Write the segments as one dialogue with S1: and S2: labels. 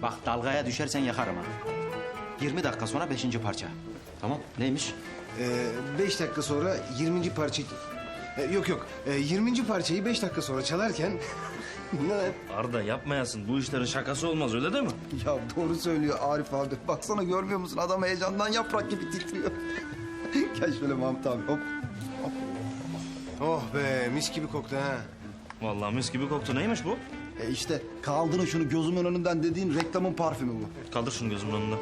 S1: Bak dalgaya düşersen yakarım ha. 20 dakika sonra 5. parça. Tamam neymiş?
S2: 5 dakika sonra 20. parça... yok yok. 20. parçayı 5 dakika sonra çalarken... Ne lan?
S3: Arda yapmayasın. Bu işlerin şakası olmaz öyle değil mi?
S4: Ya doğru söylüyor Arif abi. Baksana görmüyor musun? Adam heyecandan yaprak gibi titriyor. Gel şöyle Mahmut abi hop.
S2: Oh be mis gibi koktu ha.
S3: Vallahi mis gibi koktu. Neymiş bu?
S4: İşte kaldırın şunu gözümün önünden dediğin reklamın parfümü bu.
S3: Kaldır şunu gözümün önünden.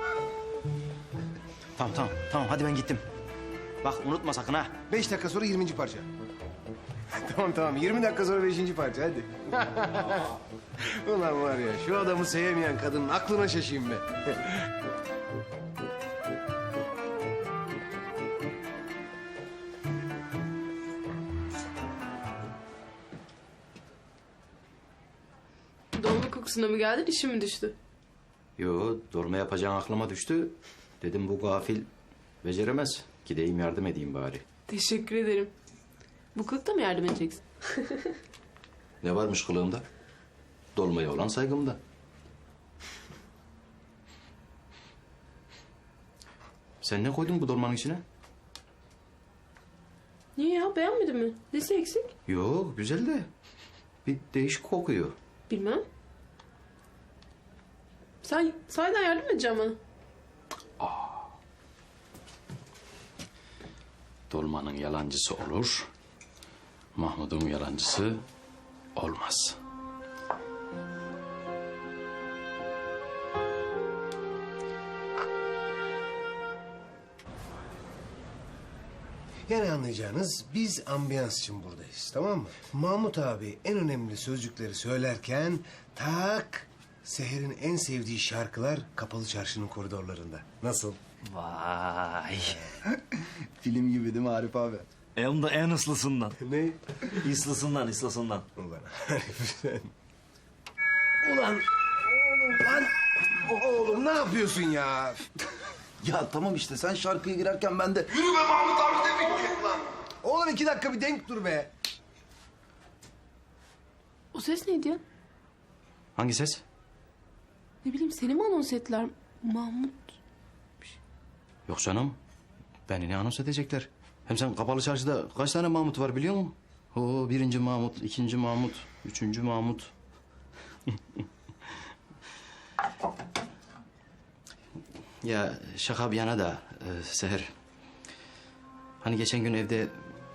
S1: Tamam hadi ben gittim. Bak unutma sakın ha.
S2: 5 dakika sonra 20. parça. Tamam 20 dakika sonra 5. parça hadi. Ulan var ya şu adamı sevmeyen kadının aklına şaşayım be.
S5: Dolma kokusuna mı geldin, işin mi düştü?
S1: Yo dolma yapacağın aklıma düştü. Dedim bu gafil beceremez. Gideyim yardım edeyim bari.
S5: Teşekkür ederim. Bu kılıkta mı yardım edeceksin?
S1: Ne varmış kılığımda? Dolmaya olan saygımda. Sen ne koydun bu dolmanın içine?
S5: Niye ya, beğenmedin mi? Nesi eksik?
S1: Yok güzel de bir değişik kokuyor.
S5: Bilmem. Sen sahiden yardım edeceksin bana.
S1: Dolmanın yalancısı olur. Mahmud'un yalancısı olmaz.
S2: Yani anlayacağınız biz ambiyans için buradayız tamam mı? Mahmut abi en önemli sözcükleri söylerken tak Seher'in en sevdiği şarkılar Kapalı Çarşı'nın koridorlarında. Nasıl?
S3: Vay.
S4: Film gibi değil mi Arif abi?
S3: Hem de en ıslısından.
S2: Ne?
S3: İslısından.
S2: Ulan Arif sen. Ulan oğlum lan. Oğlum ne yapıyorsun ya?
S4: Ya tamam işte sen şarkıya girerken ben de...
S2: Oğlum 2 dakika bir denk dur be.
S5: O ses neydi ya?
S1: Hangi ses?
S5: Ne bileyim, seni mi anons ettiler? Mahmut.
S1: Yok canım. Beni ne anons edecekler? Hem sen Kapalı Çarşı'da kaç tane Mahmut var biliyor musun? Oo, 1. Mahmut, 2. Mahmut, 3. Mahmut. Ya şaka bir yana da Seher. Hani geçen gün evde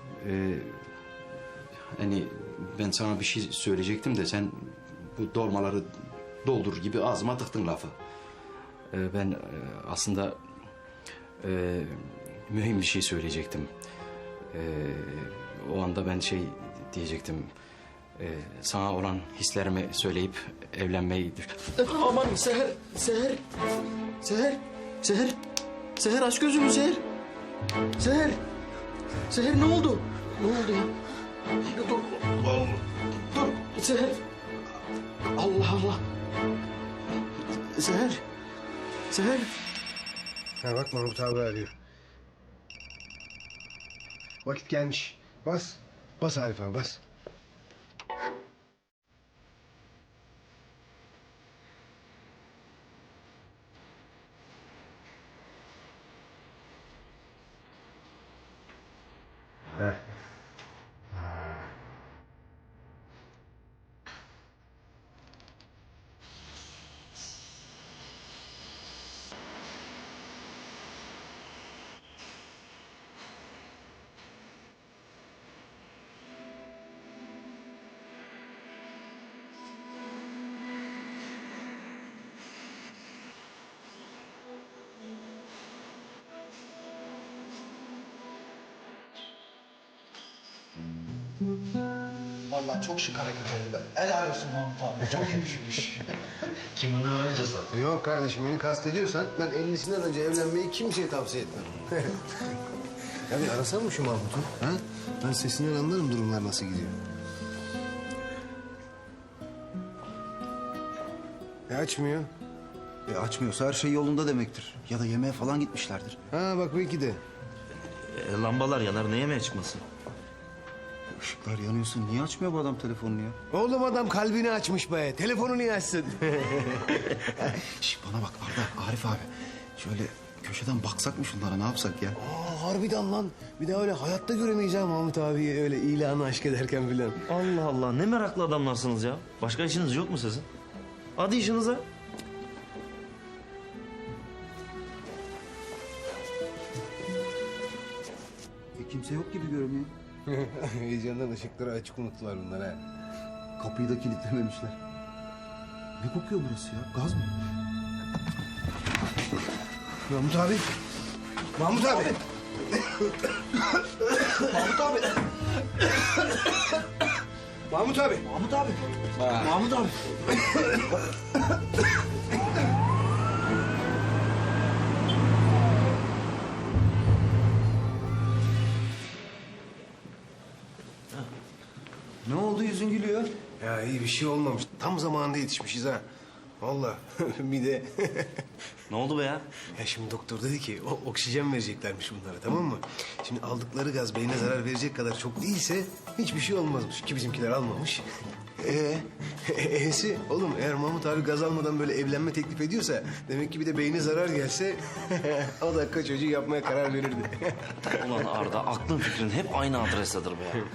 S1: hani ben sana bir şey söyleyecektim de sen bu dolmaları doldur gibi ağzıma tıktın lafı. Ben aslında mühim bir şey söyleyecektim. O anda ben şey diyecektim. Sana olan hislerimi söyleyip evlenmeyi... Aman Seher, Seher aç gözünü Seher. Seher ne oldu? Ne oldu ya? Dur, Seher. Allah. Seher.
S2: Ha bak Mahmut abi arıyor. Vakit gelmiş. Bas. Bas Arif abi bas. Heh.
S4: Vallahi çok şık hareket oldu be. Helal olsun Mahmut abi. Çok yakışmış.
S3: Kimin öğrencisi?
S2: Yok kardeşim beni kastediyorsan ben 50'sinden önce evlenmeyi kimseye tavsiye etmem. Ya bir arasana mı şu Mahmut'u? Ha? Ben sesinden anlarım durumlar nasıl gidiyor. Açmıyor.
S4: Açmıyorsa her şey yolunda demektir. Ya da yemeğe falan gitmişlerdir.
S2: Ha bak belki de.
S3: Lambalar yanar. Ne yemeye çıkmasın?
S4: Işıklar yanıyorsun. Niye açmıyor bu adam telefonunu ya?
S2: Oğlum adam kalbini açmış be. Telefonu niye açsın?
S4: Şş, bana bak Arda, Arif abi. Şöyle köşeden baksak mı şunlara, ne yapsak ya?
S2: Aa, harbiden lan. Bir daha öyle hayatta göremeyiz ha Mahmut abi öyle ilanı aşk ederken filan.
S3: Allah Allah, ne meraklı adamlarsınız ya. Başka işiniz yok mu sizin? Hadi işinize.
S4: Kimse yok gibi görünüyor.
S2: Heyecandan ışıkları açık unuttular bunlar ha.
S4: Kapıyı da kilitlememişler. Ne kokuyor burası ya? Gaz mı?
S2: Mahmut abi. Mahmut abi. Mahmut abi. Mahmut abi.
S3: Mahmut abi. Mahmut abi.
S4: Ne oldu, yüzün gülüyor?
S2: Ya iyi bir şey olmamış. Tam zamanında yetişmişiz ha. Vallahi bir de
S3: Ne oldu be ya?
S2: ya şimdi doktor dedi ki oksijen vereceklermiş bunlara, tamam mı? Şimdi aldıkları gaz beyne zarar verecek kadar çok değilse hiçbir şey olmazmış ki bizimkiler almamış. E'si oğlum eğer Mahmut abi gaz almadan böyle evlenme teklif ediyorsa demek ki bir de beyne zarar gelse o dakika çocuğu yapmaya karar verirdi.
S3: Ulan Arda, aklın fikrin hep aynı adrestedir be ya.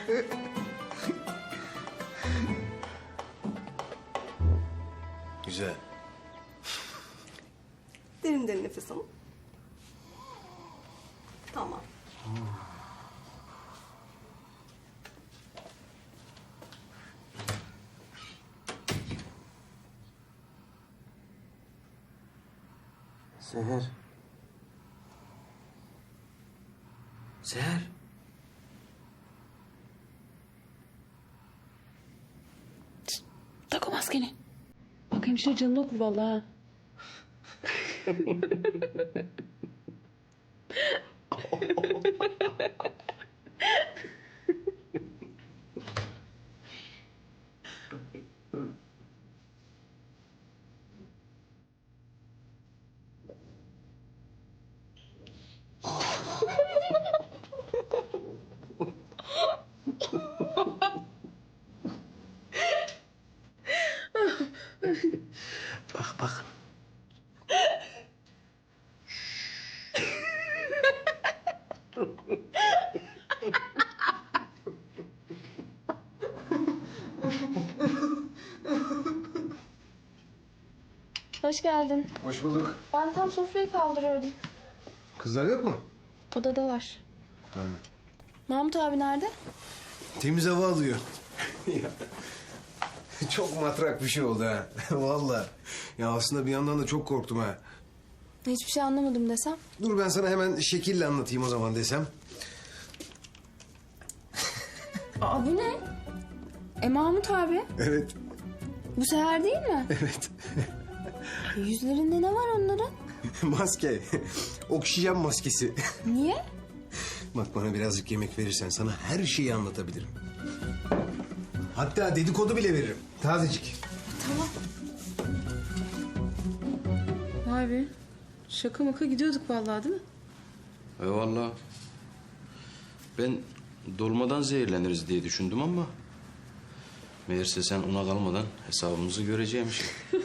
S2: Güzel.
S6: Derin derin nefes alın. Tamam.
S1: Seher. Seher.
S5: Tak o maskeni. Bak hemşire canını okur vallahi ha.
S2: Bak bak.
S7: Hoş geldin.
S2: Hoş bulduk.
S7: Ben tam sofrayı kaldırıyordum.
S2: Kızlar yok mu?
S7: Odada var. Mahmut abi nerede?
S2: Temiz hava alıyor. Ya, çok matrak bir şey oldu ha. Vallahi. Ya aslında bir yandan da çok korktum ha.
S7: Hiçbir şey anlamadım desem.
S2: Dur ben sana hemen şekille anlatayım o zaman desem.
S7: Aa bu ne? Mahmut abi.
S2: Evet.
S7: Bu seher değil mi?
S2: Evet.
S7: Yüzlerinde ne var onların?
S2: Maske. Oksijen maskesi.
S7: Niye?
S2: Bak bana birazcık yemek verirsen sana her şeyi anlatabilirim. Hatta dedikodu bile veririm. Tazecik.
S7: Tamam.
S5: Vay be. Şaka maka gidiyorduk vallahi değil mi?
S1: Vallahi. Ben dolmadan zehirleniriz diye düşündüm ama... meğerse sen ona kalmadan hesabımızı göreceğimiş.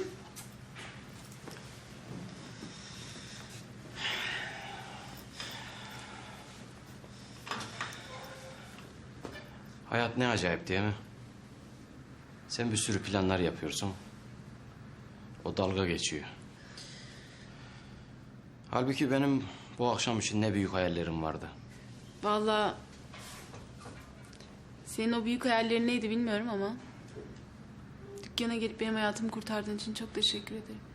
S1: Hayat ne acayip değil mi? Sen bir sürü planlar yapıyorsun. O dalga geçiyor. Halbuki benim bu akşam için ne büyük hayallerim vardı.
S5: Vallahi... Senin o büyük hayallerin neydi bilmiyorum ama... Dükkana gelip benim hayatımı kurtardığın için çok teşekkür ederim.